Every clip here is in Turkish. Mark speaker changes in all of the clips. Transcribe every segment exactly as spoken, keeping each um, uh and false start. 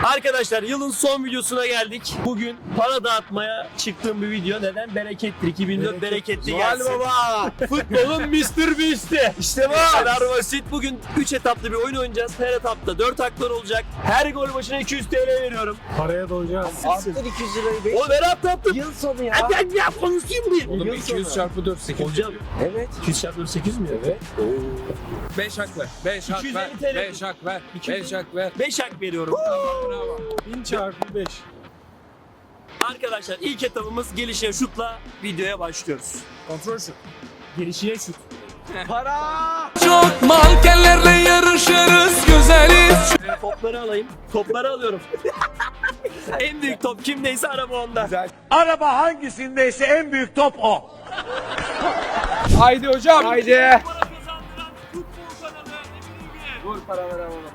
Speaker 1: Arkadaşlar yılın son videosuna geldik. Bugün para dağıtmaya çıktığım bir video. Neden? Berekettir. iki bin dört bereketli gelsin.
Speaker 2: Noel Baba.
Speaker 1: Futbolun mister Beast'i. İşte bu kadar basit. Bugün üç etaplı bir oyun oynayacağız. Her etapta dört haklar olacak. Her gol başına iki yüz TL veriyorum.
Speaker 2: Paraya doyacağız.
Speaker 3: Arttır iki yüz lirayı beş.
Speaker 1: O ver attı attım.
Speaker 3: Yıl sonu ya.
Speaker 1: Hadi hadi ya konuşayım bir.
Speaker 2: Oğlum iki yüz çarpı dört sekiz.
Speaker 1: Hocam
Speaker 3: Evet.
Speaker 1: iki yüz çarpı sekiz mi? Evet.
Speaker 2: beş hak ver. beş hak
Speaker 1: iki yüz
Speaker 2: ver.
Speaker 1: elli TL.
Speaker 2: beş hak ver.
Speaker 1: iki yüz
Speaker 2: beş hak ver.
Speaker 1: beş hak veriyorum.
Speaker 2: Bravo. bin çarpı beş.
Speaker 1: Arkadaşlar ilk etapımız gelişe şutla videoya başlıyoruz.
Speaker 2: Kontrol şut.
Speaker 1: Gelişine şut.
Speaker 3: Para.
Speaker 4: Çok mankenlerle yarışırız güzeliz.
Speaker 1: Topları alayım. Topları alıyorum. En büyük top kimdeyse araba onda.
Speaker 5: Araba hangisindeyse en büyük top o.
Speaker 2: Haydi hocam. Haydi.
Speaker 1: Para kazandıran futbol kanalı Emin
Speaker 3: Dur para ver ama.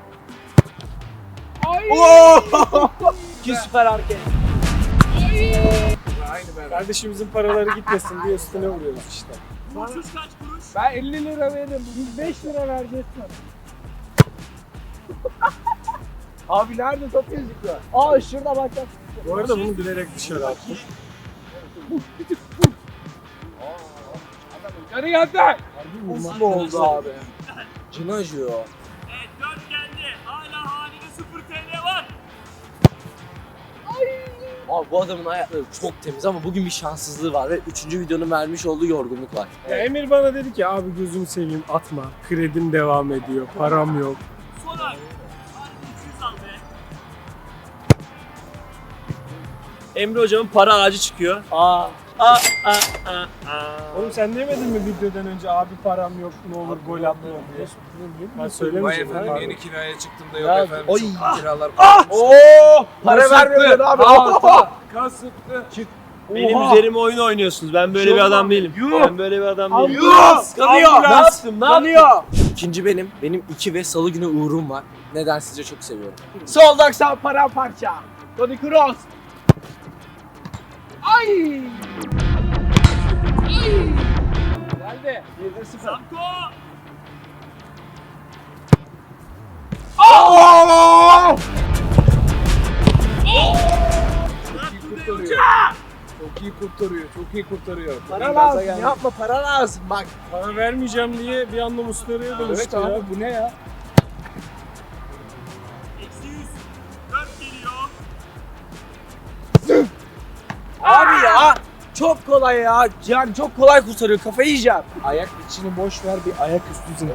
Speaker 1: İki süper hareket.
Speaker 2: Kardeşimizin paraları gitmesin diye üstüne vuruyoruz işte.
Speaker 1: Kurşuz kaç kuruş?
Speaker 2: Ben elli lira veririm. Biz beş lira vereceğiz sana.
Speaker 3: Abi nerede top gözüküyor? Aa şurada bak bak.
Speaker 2: Bu arada bunu bilerek dışarı attım. Yarı geldi.
Speaker 3: Nasıl oldu abi? Cin acıyor.
Speaker 1: Evet dört geldi. Hala halinde sıfır TL var.
Speaker 3: Abi bu adamın ayakları çok temiz ama bugün bir şanssızlığı var ve üçüncü videonun vermiş olduğu yorgunluk var.
Speaker 2: Ya Emir bana dedi ki abi gözümü seveyim atma. Kredim devam ediyor. Param yok.
Speaker 1: Son hak. Hadi iki yüz al be. Emre hocamın para ağacı çıkıyor. Aa. Aa, aa, aa, aa.
Speaker 2: Oğlum sen demedin mi videodan önce abi param yok ne olur gol atma diye. Ben
Speaker 6: Vay
Speaker 2: söylemeyeceğim.
Speaker 6: efendim
Speaker 2: abi.
Speaker 6: yeni kiraya çıktım da
Speaker 3: Ya,
Speaker 6: yok efendim
Speaker 3: oy.
Speaker 6: çok kiralar
Speaker 3: Oo! Para vermiyorsun abi.
Speaker 2: Kasıttı. Çık.
Speaker 1: Benim
Speaker 2: Oha.
Speaker 1: üzerime oyun oynuyorsunuz. Ben böyle bir adam değilim. Ben böyle bir adam değilim.
Speaker 3: Ambulans kanıyor.
Speaker 1: Ne yaptım? Ne yaptım?
Speaker 3: Kanıyor. İkinci benim. Benim iki ve salı günü uğrum var. Neden sizce çok seviyorum. Soldak sağ paramparça. Toni Kroos. Ay!
Speaker 2: Geldi. yedi sıfır.
Speaker 1: Samko.
Speaker 6: Çok iyi kurtarıyor, çok iyi kurtarıyor.
Speaker 3: Para lazım. Yapma para lazım. Bak.
Speaker 2: Para vermeyeceğim diye bir anda Muslera'ya dönüştü
Speaker 6: Evet
Speaker 2: ya.
Speaker 6: abi bu ne ya?
Speaker 1: Eksi yüz. Dört geliyor.
Speaker 3: Abi ya. Çok kolay ya. Yani çok kolay kurtarıyor. Kafayı yiyeceğim.
Speaker 2: Ayak içini boş ver bir ayak üstü zınk.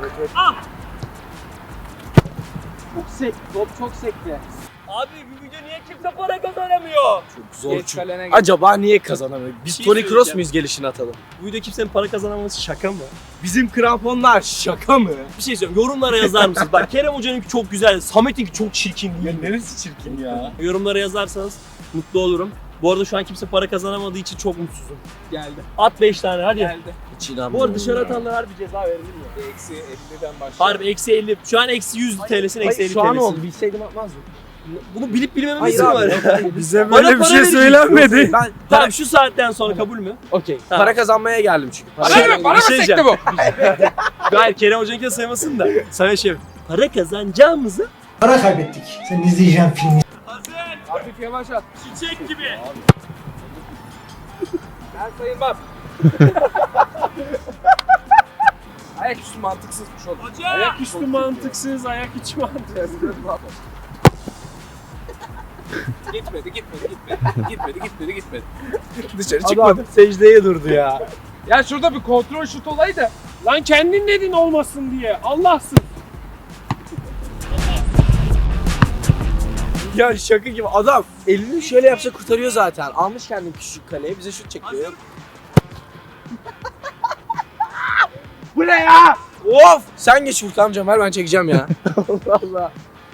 Speaker 3: Çok sek. Top çok sekti.
Speaker 1: Abi bu video niye kimse para kazanamıyor?
Speaker 3: Çok zor
Speaker 6: Geç
Speaker 3: çünkü.
Speaker 6: kalene geç.
Speaker 3: Acaba niye kazanamıyor? Biz
Speaker 1: şey
Speaker 3: Toni Kroos
Speaker 1: söyleyeceğim.
Speaker 3: muyuz gelişini atalım?
Speaker 1: Bu video kimsenin para kazanamaması şaka mı?
Speaker 3: Bizim kramponlar şaka mı?
Speaker 1: Bir şey söyleyeyim. Yorumlara yazar mısınız? Bak Kerem Hoca'nınki çok güzel. Samet'inki çok çirkin değil.
Speaker 3: neresi çirkin ya?
Speaker 1: Yorumlara yazarsanız mutlu olurum. Bu arada şu an kimse para kazanamadığı için çok mutsuzum.
Speaker 6: Geldi.
Speaker 1: At beş tane hadi.
Speaker 6: Geldi.
Speaker 3: Hiç
Speaker 1: Bu
Speaker 3: inanmıyorum.
Speaker 1: arada dışarı atanlara harbi ceza verilir mi?
Speaker 6: Eksi elliden başlıyor.
Speaker 1: Harbi eksi elli. Şu an eksi yüz TL'sin eksi elli
Speaker 3: Şu an
Speaker 1: TL'sin.
Speaker 3: oldu. Bilseydim atmazdım.
Speaker 1: Bunu bilip bilmememiz
Speaker 3: Hayır
Speaker 1: mi
Speaker 3: abi.
Speaker 1: var?
Speaker 2: Bize
Speaker 1: Bana
Speaker 2: böyle bir
Speaker 1: para
Speaker 2: şey
Speaker 1: vereceksin.
Speaker 2: söylenmedi.
Speaker 3: Ben
Speaker 1: Tamam şu saatten sonra kabul mü?
Speaker 3: okey.
Speaker 1: Tamam.
Speaker 3: Para kazanmaya geldim çünkü. Para
Speaker 6: Bana mı? Bana mı
Speaker 1: Bir şey
Speaker 6: sekti bu?
Speaker 1: Hayır Kerem Hoca'nınki de saymasın da. Sana şey para kazanacağımızı
Speaker 7: Para kaybettik. Sen izleyeceğin filmi.
Speaker 1: hazır.
Speaker 6: Hafif yavaş at.
Speaker 1: Çiçek gibi.
Speaker 6: Ben sayılmam. Ayaküstü mantıksızmış oğlum.
Speaker 1: Hoca.
Speaker 2: Ayak üstü mantıksız, ayak içi mantıksız.
Speaker 6: Gitmedi, gitmedi, gitmedi. Gitmedi, gitmedi, gitmedi. Dışarı
Speaker 3: Adam
Speaker 6: çıkmadı.
Speaker 3: secdeye durdu ya.
Speaker 6: Ya şurada bir kontrol şut olaydı.
Speaker 2: Lan kendin dedin olmasın diye. Allah'sın.
Speaker 3: Ya şaka gibi adam elini şöyle yapsa kurtarıyor zaten. Almış kendini küçük kaleye bize şut çekiyor. Bu ne ya? Of! Sen geç Furkan amcam ver ben çekeceğim ya. Allah Allah.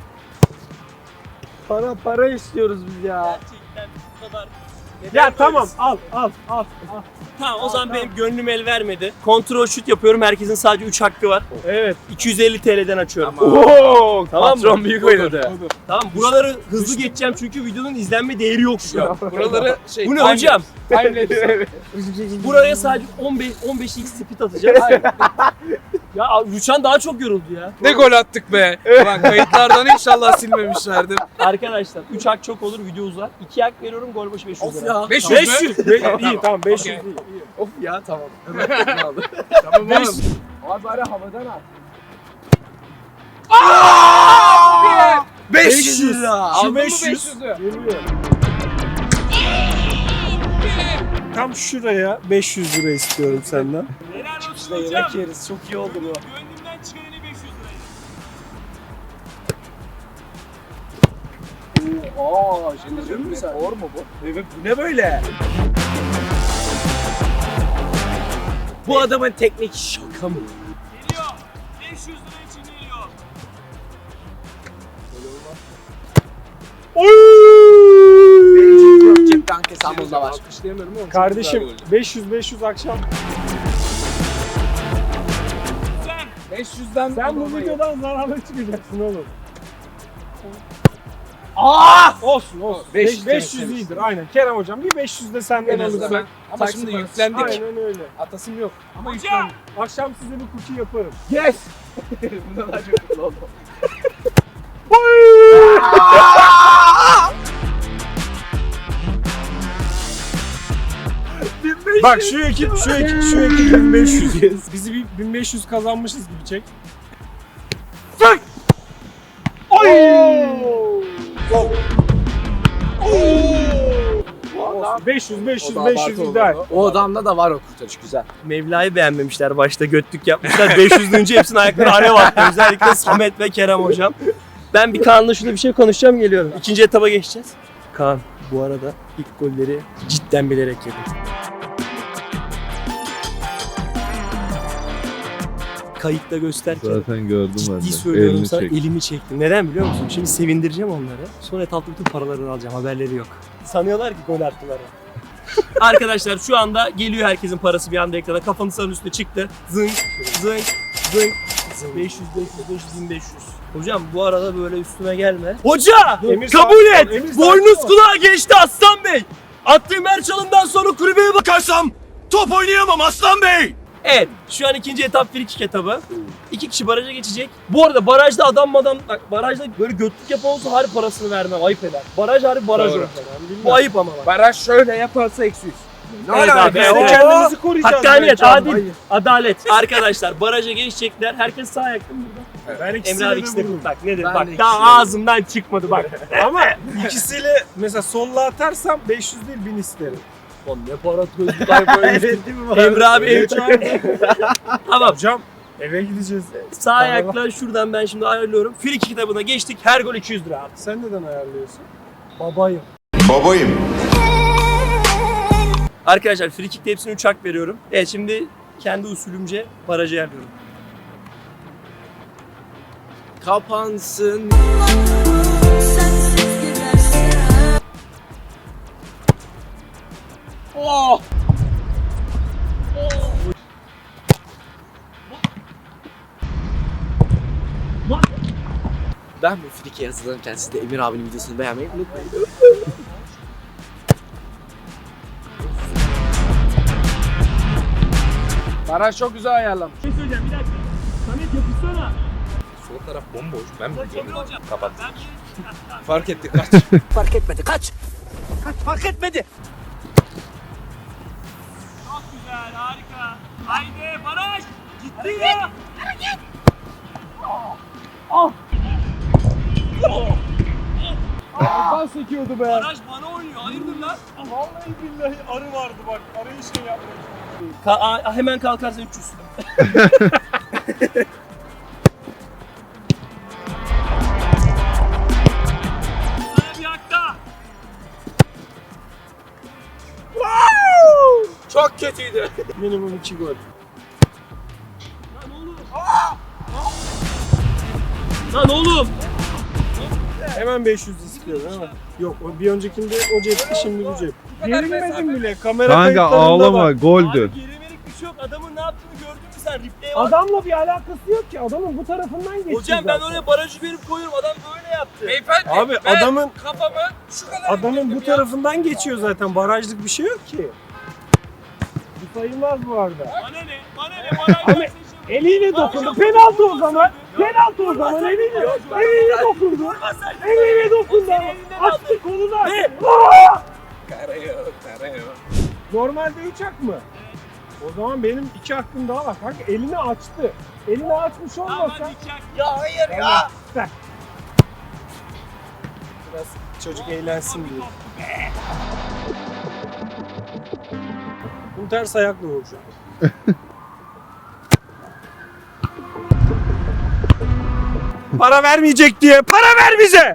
Speaker 3: Para para istiyoruz biz ya.
Speaker 1: Gerçekten bu kadar.
Speaker 2: Ya tamam al al al. al.
Speaker 1: Tamam o zaman benim gönlüm el vermedi. Kontrol şut yapıyorum. Herkesin sadece üç hakkı var.
Speaker 2: Evet.
Speaker 1: iki yüz elli TL'den açıyorum.
Speaker 3: Oo,
Speaker 1: Tamam mı?
Speaker 3: patron büyük oynadı.
Speaker 1: Tamam buraları hızlı geçeceğim çünkü videonun izlenme değeri yok şu an.
Speaker 6: Buraları şey...
Speaker 1: Bu ne hocam?
Speaker 6: Timelapse.
Speaker 1: Buraya sadece on beş on beş x speed atacağım. Ya Rüçhan daha çok yoruldu ya.
Speaker 6: Ne gol attık be. Ulan kayıtlardan inşallah silmemişlerdir.
Speaker 1: Arkadaşlar üç hak çok olur, video uzar. iki hak veriyorum, gol başı beş yüz
Speaker 3: Of
Speaker 1: lira.
Speaker 3: ya.
Speaker 6: beş yüz mü?
Speaker 2: beş yüz. Be- iyi tamam beş yüz
Speaker 6: Okey.
Speaker 2: değil.
Speaker 3: Of ya tamam.
Speaker 6: Tamam
Speaker 2: beş
Speaker 6: oğlum.
Speaker 3: Abi bari havadan at.
Speaker 6: beş yüz lira.
Speaker 2: Şu
Speaker 6: Aldın mı
Speaker 2: beş yüz.
Speaker 6: beş yüzü?
Speaker 2: Geliyor. Tam şuraya beş yüz lira istiyorum senden.
Speaker 1: Helal olsun
Speaker 3: İşte yemek yeriz. Çok iyi oldu bu.
Speaker 1: Gönlümden çıkan en iyi beş yüz liraydı.
Speaker 3: Aa, şimdi mi sen? Doğru mu bu? Evet, bu ne böyle? Bu adamın teknik şaka mı?
Speaker 1: Geliyor. beş yüz lira için geliyor.
Speaker 3: Yok cepten kesen bunda var.
Speaker 6: Alkışlayamıyorum oğlum.
Speaker 2: Kardeşim beş yüz beş yüz akşam.
Speaker 6: beş yüzden
Speaker 2: Sen bu videodan zararlı çıkacaksın oğlum.
Speaker 3: Aa!
Speaker 2: Olsun olsun.
Speaker 6: beş
Speaker 2: beş
Speaker 6: yüz
Speaker 2: yüz
Speaker 6: demek
Speaker 2: iyidir aynen. Kerem hocam bir beş yüz de senden
Speaker 6: En azından
Speaker 2: alırsak.
Speaker 6: ben. Ama şimdi yüklendik.
Speaker 2: Aynen öyle.
Speaker 6: Atasım yok. Ama
Speaker 1: Hocam!
Speaker 6: yüklendik.
Speaker 2: Akşam size bir kuki yaparım.
Speaker 3: Yes! Bunda daha çok mutlu oldum.
Speaker 2: Bak şu ekip şu ekip şu ekip bin beş yüz. Bizi bir bin beş yüz kazanmışız gibi çek. Fuck! Oy! beş yüz beş yüz beş yüz ideal.
Speaker 3: O adamda da var o kurtarış güzel.
Speaker 1: Mevla'yı beğenmemişler başta, götlük yapmışlar. beş yüz deyince hepsinin ayakları alev attı. Özellikle Samet ve Kerem hocam. Ben bir Kaan'la şurada bir şey konuşacağım, geliyorum. İkinci etaba geçeceğiz. Kaan bu arada ilk golleri cidden bilerek yedi. Kayıtta gösterken
Speaker 8: Zaten gördüm ben de.
Speaker 1: ciddi söylüyorum
Speaker 8: Elini
Speaker 1: sana,
Speaker 8: çek.
Speaker 1: elimi çektim. Neden biliyor musun? Şimdi sevindireceğim onları. Sonra etapta bütün paralarını alacağım, haberleri yok. Sanıyorlar ki gol attılar. Arkadaşlar şu anda geliyor herkesin parası bir anda ekrana. Kafanı sarın üstüne çıktı. Zınk, zınk, zınk. beş yüz, beş yüz, beş yüz, bin beş yüz. Hocam bu arada böyle üstüme gelme. Hoca!
Speaker 2: Emir
Speaker 1: kabul
Speaker 2: sakin ol,
Speaker 1: et!
Speaker 2: Emir
Speaker 1: Boynuz
Speaker 2: sakin ol.
Speaker 1: kulağa geçti Aslan Bey! Attığım her çalımdan sonra kulübeye bakarsam top oynayamam Aslan Bey! Evet, şu an ikinci etap free kick etabı. İki kişi baraja geçecek. Bu arada barajda adam adam, bak barajda böyle götlük yapan olsa harbi parasını vermem, ayıp eder. Baraj harbi baraj
Speaker 6: Doğru.
Speaker 1: olur. Bu ayıp ama bak.
Speaker 6: Baraj şöyle yaparsa eksi yüz.
Speaker 1: Evet abi,
Speaker 2: Biz
Speaker 1: evet,
Speaker 2: de
Speaker 1: evet.
Speaker 2: kendimizi koruyacağız.
Speaker 1: Hakkaniyet,
Speaker 2: bence.
Speaker 1: adil,
Speaker 2: Hayır.
Speaker 1: adalet. Arkadaşlar baraja geçecekler. Herkes sağ ayakta mı burada?
Speaker 2: Ben
Speaker 1: Emre
Speaker 2: ikisiyle
Speaker 1: abi
Speaker 2: de
Speaker 1: ikisi de
Speaker 2: vururum.
Speaker 1: bak nedir?
Speaker 3: Ben
Speaker 1: Bak
Speaker 3: de
Speaker 1: daha
Speaker 3: ikisiyle
Speaker 1: ağzımdan çıkmadı bak.
Speaker 2: Ama ikisiyle mesela solla atarsam beş yüz değil bin isterim.
Speaker 1: Oğlum ne para tozluklar böyle.
Speaker 2: Evet değil mi?
Speaker 1: Emre abi ev Tamam.
Speaker 2: Hocam eve gideceğiz.
Speaker 1: Sağ ayakla şuradan ben şimdi ayarlıyorum. Free kick kitabına geçtik. Her gol iki yüz lira abi.
Speaker 2: Sen neden ayarlıyorsun? Babayım.
Speaker 8: Babayım.
Speaker 1: Arkadaşlar free kick'te hepsine üç hak veriyorum. Evet şimdi kendi usulümce barajı ayarlıyorum.
Speaker 3: Kapansın. Oh! Ben bu frike hazırlanırken siz de Emir abinin videosunu beğenmeyi unutmayın.
Speaker 6: Baraj çok güzel ayarlamış.
Speaker 1: Bir şey söyleyeceğim bir dakika. Samet yapışsana.
Speaker 6: Sol taraf bomboş. Ben mi
Speaker 1: Emre hocam.
Speaker 6: Kapat.
Speaker 1: Ben
Speaker 6: Fark etti kaç.
Speaker 3: Fark etmedi kaç. Kaç fark etmedi.
Speaker 1: Çok güzel, harika. Haydi baraj. Gitti ya.
Speaker 6: Kapan sekiyordu be.
Speaker 1: Baraj bana oynuyor. Hayırdır lan?
Speaker 2: Vallahi billahi arı vardı bak. Arıyı şey yapmak.
Speaker 1: Ka- a- hemen kalkarsan üç yüz. Sana bir hak daha.
Speaker 3: Çok kötüydü.
Speaker 2: Minimum iki gol.
Speaker 1: Lan oğlum. Lan oğlum.
Speaker 2: Hemen beş yüz istiyorum ama. Yok o bir öncekinde o cepti şimdi bu cep. Gerilmedim bile. Kamera
Speaker 8: Kanka
Speaker 2: kayıtlarında
Speaker 8: ağlama
Speaker 2: var.
Speaker 1: Abi
Speaker 8: goldü.
Speaker 1: gerimelik bir şey yok. Adamın ne yaptığını gördün mü sen? Replay'e bak.
Speaker 2: Adamla bir alakası yok ki. Adamın bu tarafından geçti.
Speaker 1: Hocam ben
Speaker 2: zaten.
Speaker 1: oraya barajı verip koyuyorum. Adam böyle yaptı.
Speaker 6: Beyefendi
Speaker 2: Abi
Speaker 6: ben
Speaker 2: adamın
Speaker 6: kafamı şu kadar
Speaker 2: adamın
Speaker 6: indirdim
Speaker 2: bu
Speaker 6: ya.
Speaker 2: tarafından geçiyor zaten. Barajlık bir şey yok ki. Bu sayılmaz bu arada.
Speaker 1: Bana ne? Bana ne? Baraj
Speaker 2: Ama-
Speaker 1: verse işe
Speaker 2: Eliyle dokundu. Penaltı o zaman. Penaltı o zaman. Eliyle. Eliyle dokundu. Eliyle dokundu ama. Attı koluna.
Speaker 6: Kara yok, kara yok.
Speaker 2: Normalde üç hak mı? O zaman benim iki hakkım daha var. Kanka elini açtı. Elini açmış olmasa.
Speaker 1: Ya hayır ya.
Speaker 2: Biraz çocuk eğlensin diye. Bu ters ayakla vurmuş abi. Para vermeyecek diye. Para ver bize.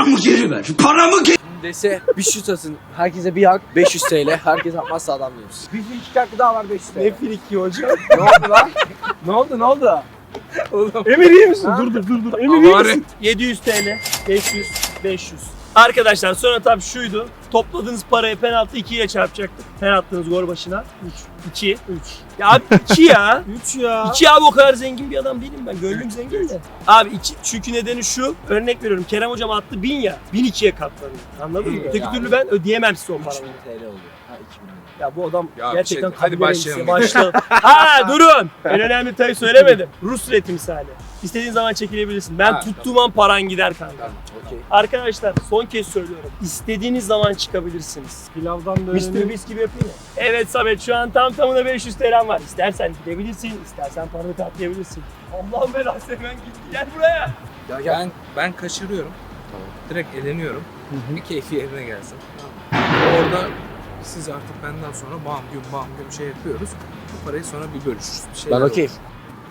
Speaker 3: Dese bir şut atın. Herkese bir hak beş yüz T L. Herkes atmazsa adam yiyoruz. Bir iki hakkı daha var beş yüz T L.
Speaker 2: Ne friki hocam.
Speaker 3: Ne oldu lan? Ne oldu ne oldu?
Speaker 2: Emir iyi misin? Dur dur dur dur. Emir iyi misin?
Speaker 1: yedi yüz T L, beş yüz, beş yüz. Arkadaşlar son etap şuydu. Topladığınız parayı penaltı iki ile çarpacaktık. Her attığınız gol başına üç, iki, üç. Ya abi iki ya.
Speaker 2: üç ya.
Speaker 1: iki abi o kadar zengin bir adam değilim ben. Gönlüm zengin de. Abi iki çünkü nedeni şu. Örnek veriyorum. Kerem hocam attı bin ya. bin ikiye katlanıyor. Anladın mı? Öteki
Speaker 3: Yani.
Speaker 1: türlü ben ödeyemem size o
Speaker 3: üç
Speaker 1: paraları.
Speaker 3: bin T L oluyor. Ha iki bin lira.
Speaker 1: Ya bu adam
Speaker 6: Ya bir
Speaker 1: gerçekten
Speaker 6: şey- hadi
Speaker 1: kabul
Speaker 6: başlayalım.
Speaker 1: edilse başlayalım. Ha durun. En önemli detayı söylemedim. Rus ruleti misali. İstediğin zaman çekilebilirsin. Ben
Speaker 6: Ha,
Speaker 1: tuttuğum an paran gider kanka.
Speaker 3: Tamam okey.
Speaker 1: Arkadaşlar son kez söylüyorum. İstediğiniz zaman çıkabilirsiniz.
Speaker 2: Pilavdan
Speaker 1: mister
Speaker 2: döneni.
Speaker 1: Beast gibi yapayım ya. Evet Samet şu an tam tamına beş yüz T L'm var. İstersen gidebilirsin, istersen paranı katlayabilirsin. Allah'ım belası hemen gitti. Gel buraya.
Speaker 3: Ya gel.
Speaker 6: Ben ben kaçırıyorum.
Speaker 3: Tamam.
Speaker 6: Direkt eleniyorum. Bir keyfi yerine gelsin. Orada siz artık benden sonra bam güm bam güm şey yapıyoruz. Bu parayı sonra bir bölüşürüz. Bir şeyler
Speaker 3: Ben okeyim.
Speaker 6: olur.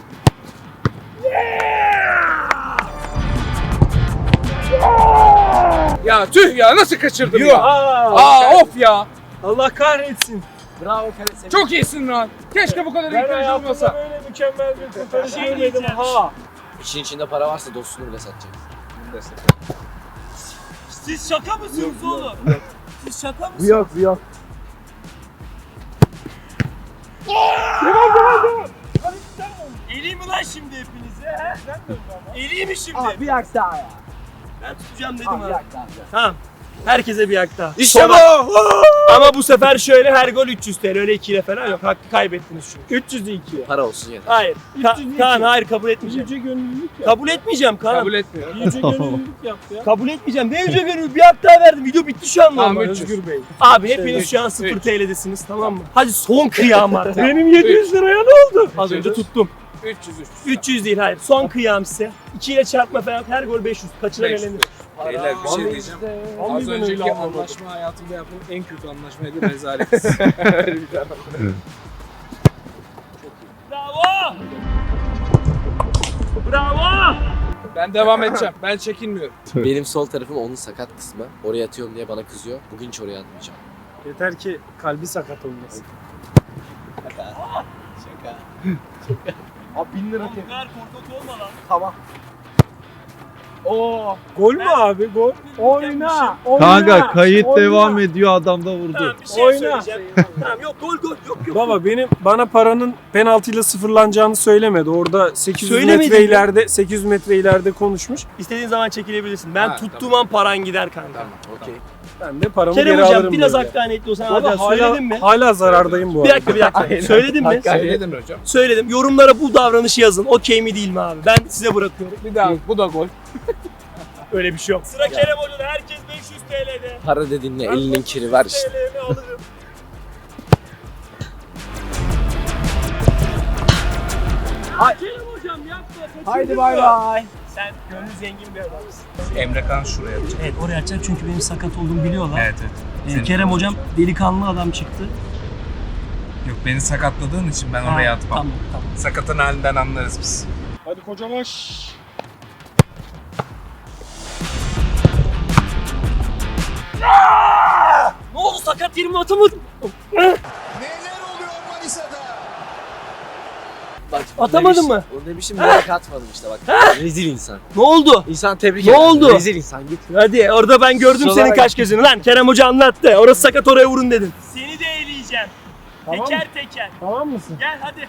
Speaker 6: Ya tüh ya nasıl kaçırdım
Speaker 2: Yok.
Speaker 6: ya?
Speaker 2: Aa,
Speaker 6: Aa of ya.
Speaker 2: Allah kahretsin.
Speaker 3: Bravo Kale.
Speaker 6: Çok iyisin lan. Keşke bu kadar iyi
Speaker 2: Ben
Speaker 6: kaleci
Speaker 2: hayatımda
Speaker 6: olmasa.
Speaker 2: böyle mükemmel bir kurtarış
Speaker 1: Şey
Speaker 2: görmedim.
Speaker 1: diyeceğim.
Speaker 2: Ha.
Speaker 3: İşin içinde para varsa dostunu bile satacak.
Speaker 1: Siz şaka mısınız oğlum? Siz şaka mısınız?
Speaker 3: yok bu yok.
Speaker 1: Eleyim mi lan şimdi hepinize he? Eleyim mi şimdi?
Speaker 3: Abi bir hak daha ya.
Speaker 1: Ben tutacağım dedim
Speaker 3: Abi bir
Speaker 1: abi.
Speaker 3: hak daha.
Speaker 1: Tamam. Herkese bir hak daha.
Speaker 3: İşte
Speaker 1: Sonra- Ama bu sefer şöyle her gol üç yüz T L öyle iki ile falan yok. Hakkı kaybettiniz çünkü.
Speaker 2: üç yüz iki.
Speaker 3: Para olsun yeter.
Speaker 1: Hayır.
Speaker 2: üç
Speaker 1: Ka-
Speaker 2: yüz iki.
Speaker 1: Kaan hayır kabul etmeyeceğim.
Speaker 2: Yüce gönüllülük yap.
Speaker 1: Kabul etmeyeceğim Kaan.
Speaker 6: Kabul
Speaker 1: Kabul,
Speaker 6: etmiyor.
Speaker 2: Yüce gönüllülük yap ya.
Speaker 1: etmeyeceğim. Ne yüce gönül bir hak daha verdim. Video bitti şu an
Speaker 6: Tamam,
Speaker 1: normal.
Speaker 6: üç yüz.
Speaker 2: Özgür Bey.
Speaker 1: Abi hepiniz
Speaker 6: Üç,
Speaker 1: şu an sıfır
Speaker 6: üç.
Speaker 1: T L'desiniz tamam mı? Hadi son kıyam artık.
Speaker 2: Benim yedi yüz liraya ne oldu?
Speaker 1: Az önce tuttum.
Speaker 6: üç yüz üç yüz.
Speaker 1: üç yüz değil hayır. Son kıyam size. iki ile çarpma falan her gol beş yüz. Kaçıran
Speaker 6: beş yüz.
Speaker 1: elenir.
Speaker 6: Beyler bir şey diyeceğim.
Speaker 2: Vallahi
Speaker 6: Az
Speaker 2: ben
Speaker 6: önceki
Speaker 2: öyle anlamadım.
Speaker 6: anlaşma hayatımda yaptığım en kötü anlaşmaydı rezalet.
Speaker 1: Bravo! Bravo!
Speaker 6: Ben devam edeceğim. Ben çekinmiyorum.
Speaker 3: Benim sol tarafım onun sakat kısmı. Oraya atıyorum diye bana kızıyor. Bugün hiç oraya atmayacağım.
Speaker 2: Yeter ki kalbi sakat olmasın.
Speaker 3: Abi bin lira
Speaker 1: Bu kadar korkak olma lan.
Speaker 3: Tamam.
Speaker 2: Oo. Gol mü abi? Gol. Oyna. Oyna.
Speaker 8: Kanka kayıt
Speaker 2: oyna.
Speaker 8: devam ediyor, adam da vurdu.
Speaker 1: Tamam bir şey
Speaker 2: Oyna.
Speaker 1: söyleyeceğim. Tamam yok gol gol yok yok.
Speaker 2: Baba benim bana paranın penaltıyla sıfırlanacağını söylemedi. Orada sekiz yüz
Speaker 1: Söylemedi
Speaker 2: metre
Speaker 1: mi?
Speaker 2: ileride sekiz yüz metre ileride konuşmuş.
Speaker 1: İstediğin zaman çekilebilirsin. Ben
Speaker 6: Ha,
Speaker 1: tuttuğum an paran gider kanka.
Speaker 6: Tamam.
Speaker 3: Okey.
Speaker 2: Ben de paramı
Speaker 1: Kerem
Speaker 2: geri
Speaker 1: hocam
Speaker 2: alırım.
Speaker 1: biraz
Speaker 2: böyle.
Speaker 1: hakkaniyetli olsan
Speaker 2: Baba
Speaker 1: hadi
Speaker 2: hala,
Speaker 1: söyledin mi?
Speaker 2: hala zarardayım bu
Speaker 1: Bir
Speaker 2: arada.
Speaker 1: dakika bir dakika. Söyledin mi?
Speaker 6: Söyledin hocam.
Speaker 1: Söyledim. Yorumlara bu davranışı yazın. Okey mi değil mi abi? Ben size bırakıyorum.
Speaker 6: Bir daha bu da gol.
Speaker 1: Öyle bir şey yok. Sıra Kerem Hoca'da. Herkes beş yüz T L'de.
Speaker 3: Para dediğin ne? Elinin kiri var işte.
Speaker 1: T L'mi alırım. Kerem Hocam yapma.
Speaker 3: Haydi bay bay.
Speaker 1: Sen gönlü zengin bir adamsın.
Speaker 6: Emre Kan şuraya atacak.
Speaker 1: Evet oraya atacak çünkü benim sakat olduğumu biliyorlar.
Speaker 6: Evet evet.
Speaker 1: Ee,
Speaker 6: Senin-
Speaker 1: Kerem Hocam delikanlı adam çıktı.
Speaker 6: Yok beni sakatladığın için ben
Speaker 1: Ha,
Speaker 6: oraya atmam.
Speaker 1: Tamam tamam.
Speaker 6: Sakatın halinden anlarız biz.
Speaker 2: Hadi kocalaş.
Speaker 1: Ne oldu sakat yerimi atamadım.
Speaker 3: Bak,
Speaker 1: Atamadın
Speaker 3: demiş-
Speaker 1: mı?
Speaker 3: Onu demişim merak atmadım işte bak. Rezil insan.
Speaker 1: Ne oldu?
Speaker 3: İnsan tebrik
Speaker 1: Ne
Speaker 3: eder.
Speaker 1: oldu?
Speaker 3: Rezil insan git.
Speaker 1: Hadi orada ben gördüm
Speaker 3: Kusura
Speaker 1: senin
Speaker 3: bakma.
Speaker 1: kaş gözünü lan. Kerem Hoca anlattı. Orası sakat oraya vurun dedin. Seni de eleyeceğim.
Speaker 2: Tamam.
Speaker 1: Teker teker.
Speaker 2: Tamam mısın?
Speaker 1: Gel hadi.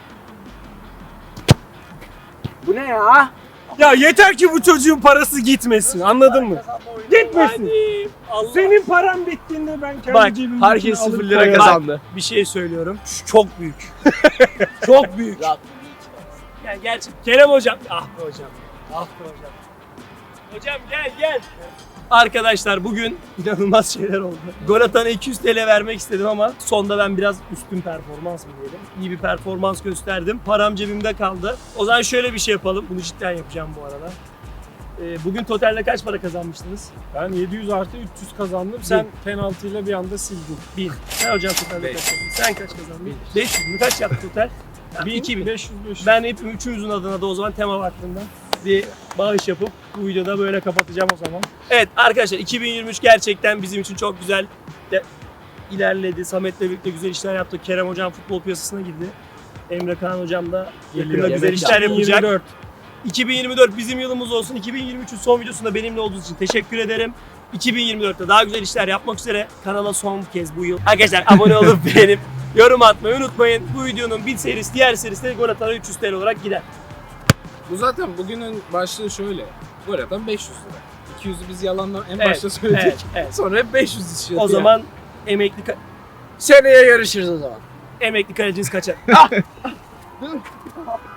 Speaker 3: Bu ne ya?
Speaker 2: Ya yeter ki bu çocuğun parası gitmesin. Anladın mı? Gitmesin.
Speaker 1: Hadi. Allah.
Speaker 2: Senin paran bittiğinde ben kendi
Speaker 1: Bak,
Speaker 2: cebimden
Speaker 3: Herkes
Speaker 2: alıp
Speaker 3: sıfır lira
Speaker 2: koyarım.
Speaker 3: kazandı.
Speaker 1: Bir şey söylüyorum. Şu çok büyük. Çok büyük.
Speaker 3: Ya,
Speaker 1: Yani gerçek. Kerem hocam. Ah be hocam. Ah be hocam. Hocam gel gel. Arkadaşlar bugün inanılmaz şeyler oldu. Gol atana iki yüz TL vermek istedim ama sonda ben biraz üstün performans mı diyelim. İyi bir performans gösterdim. Param cebimde kaldı. O zaman şöyle bir şey yapalım. Bunu cidden yapacağım bu arada. Ee, bugün totalde kaç para kazanmıştınız?
Speaker 2: Ben yedi yüz artı üç yüz kazandım. Sen penaltıyla bir anda sildin.
Speaker 1: bin. Sen hocam totalde kaç kazandın? Sen kaç kazandın? beş yüz mü? Kaç yaptı total? Yani iki bin.
Speaker 2: beş yüz beş yüz.
Speaker 1: Ben hepim üçümüzün adına da o zaman tema vaktinden bir bağış yapıp bu videoda böyle kapatacağım o zaman. Evet arkadaşlar iki bin yirmi üç gerçekten bizim için çok güzel de ilerledi. Samet'le birlikte güzel işler yaptık. Kerem hocam futbol piyasasına girdi. Emre Kaan hocam da yakında güzel işler yapacak.
Speaker 2: yirmi dört.
Speaker 1: iki bin yirmi dört bizim yılımız olsun. iki bin yirmi üçün son videosunda benimle olduğunuz için teşekkür ederim. iki bin yirmi dörtte daha güzel işler yapmak üzere kanala son kez bu yıl. Arkadaşlar abone olup beğenip yorum atmayı unutmayın. Bu videonun bir serisi diğer serisi de gol atana üç yüz TL olarak gider.
Speaker 6: Bu zaten bugünün başlığı şöyle. Gol atan beş yüz lira. iki yüzü biz yalandan en
Speaker 1: Evet,
Speaker 6: başta söyledik.
Speaker 1: evet, evet.
Speaker 6: Sonra hep beş yüz işiyordu.
Speaker 1: O zaman emekli ka-
Speaker 3: Seneye görüşürüz o zaman.
Speaker 1: emekli kaleciniz kaçar.